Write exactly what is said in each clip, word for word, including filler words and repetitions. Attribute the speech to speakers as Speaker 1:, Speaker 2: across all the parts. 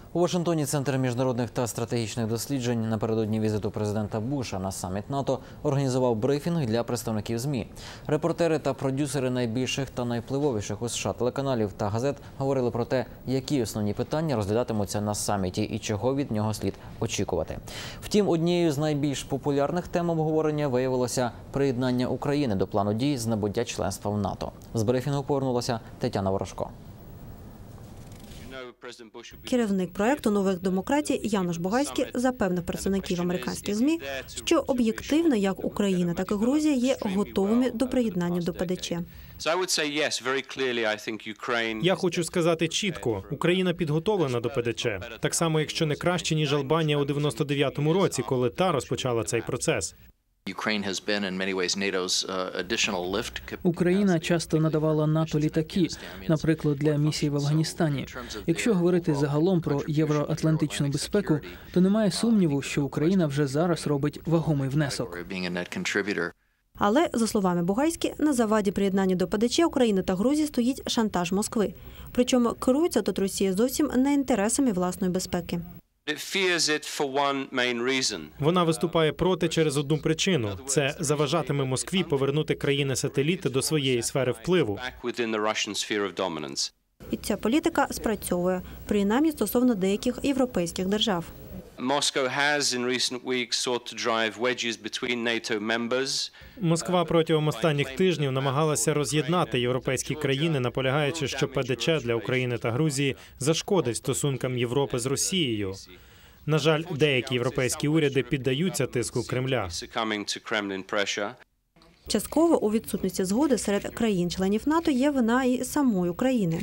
Speaker 1: У Вашингтоні Центр міжнародних та стратегічних досліджень напередодні візиту президента Буша на саміт НАТО організував брифінг для представників ЗМІ. Репортери та продюсери найбільших та найвпливовіших у США телеканалів та газет говорили про те, які основні питання розглядатимуться на саміті і чого від нього слід очікувати. Втім, однією з найбільш популярних тем обговорення виявилося приєднання України до плану дій з набуття членства в НАТО. З брифінгу повернулася Тетяна Ворожко.
Speaker 2: Керівник проекту «Нових демократій» Януш Бугайський запевнив представників американських ЗМІ, що об'єктивно як Україна, так і Грузія є готовими до приєднання до ПДЧ.
Speaker 3: Я хочу сказати чітко, Україна підготовлена до ПДЧ. Так само, якщо не краще, ніж Албанія у дев'яносто дев'ятому році, коли та розпочала цей процес.
Speaker 4: Україна часто надавала НАТО літаки, наприклад, для місії в Афганістані. Якщо говорити загалом про євроатлантичну безпеку, то немає сумніву, що Україна вже зараз робить вагомий внесок.
Speaker 2: Але, за словами Бугайські, на заваді приєднання до ПДЧ України та Грузії стоїть шантаж Москви. Причому керується тут Росія зовсім не інтересами власної безпеки.
Speaker 3: Вона виступає проти через одну причину – це заважатиме Москві повернути країни-сателіти до своєї сфери впливу.
Speaker 2: І ця політика спрацьовує, принаймні стосовно деяких європейських держав.
Speaker 3: Москва протягом останніх тижнів намагалася роз'єднати європейські країни, наполягаючи, що ПДЧ для України та Грузії зашкодить стосункам Європи з Росією. На жаль, деякі європейські уряди піддаються тиску Кремля.
Speaker 2: Частково у відсутності згоди серед країн-членів НАТО є вина і самої України.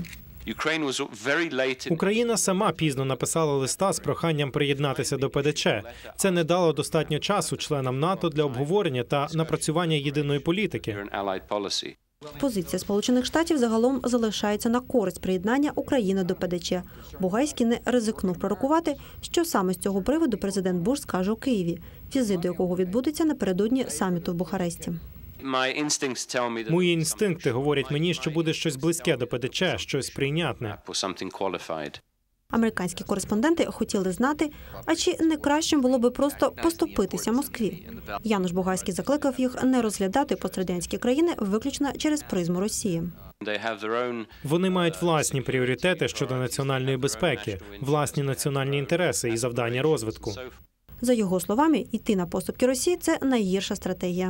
Speaker 3: Україна сама пізно написала листа з проханням приєднатися до ПДЧ. Це не дало достатньо часу членам НАТО для обговорення та напрацювання єдиної політики.
Speaker 2: Позиція Сполучених Штатів загалом залишається на користь приєднання України до ПДЧ. Бугайський не ризикнув пророкувати, що саме з цього приводу президент Буш скаже у Києві, візит до якого відбудеться напередодні саміту в Бухаресті.
Speaker 3: Мої інстинкти говорять мені, що буде щось близьке до ПДЧ, щось прийнятне.
Speaker 2: Американські кореспонденти хотіли знати, а чи не кращим було би просто поступитися Москві. Януш Бугайський закликав їх не розглядати пострадянські країни виключно через призму Росії.
Speaker 3: Вони мають власні пріоритети щодо національної безпеки, власні національні інтереси і завдання розвитку.
Speaker 2: За його словами, йти на поступки Росії – це найгірша стратегія.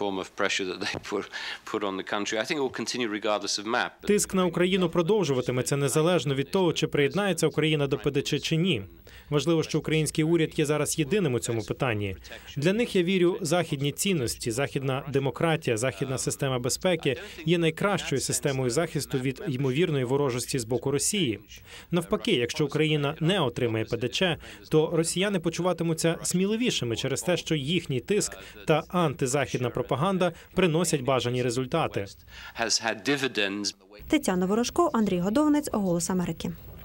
Speaker 3: Тиск на Україну продовжуватиметься незалежно від того, чи приєднається Україна до ПДЧ чи ні. Важливо, що український уряд є зараз єдиним у цьому питанні. Для них, я вірю, західні цінності, західна демократія, західна система безпеки є найкращою системою захисту від ймовірної ворожості з боку Росії. Навпаки, якщо Україна не отримає ПДЧ, то росіяни почуватимуться сміливішими через те, що їхній тиск та антизахідна пропаганда приносять бажані результати.
Speaker 2: Тетяна Ворожко, Андрій Годованець, «Голос Америки».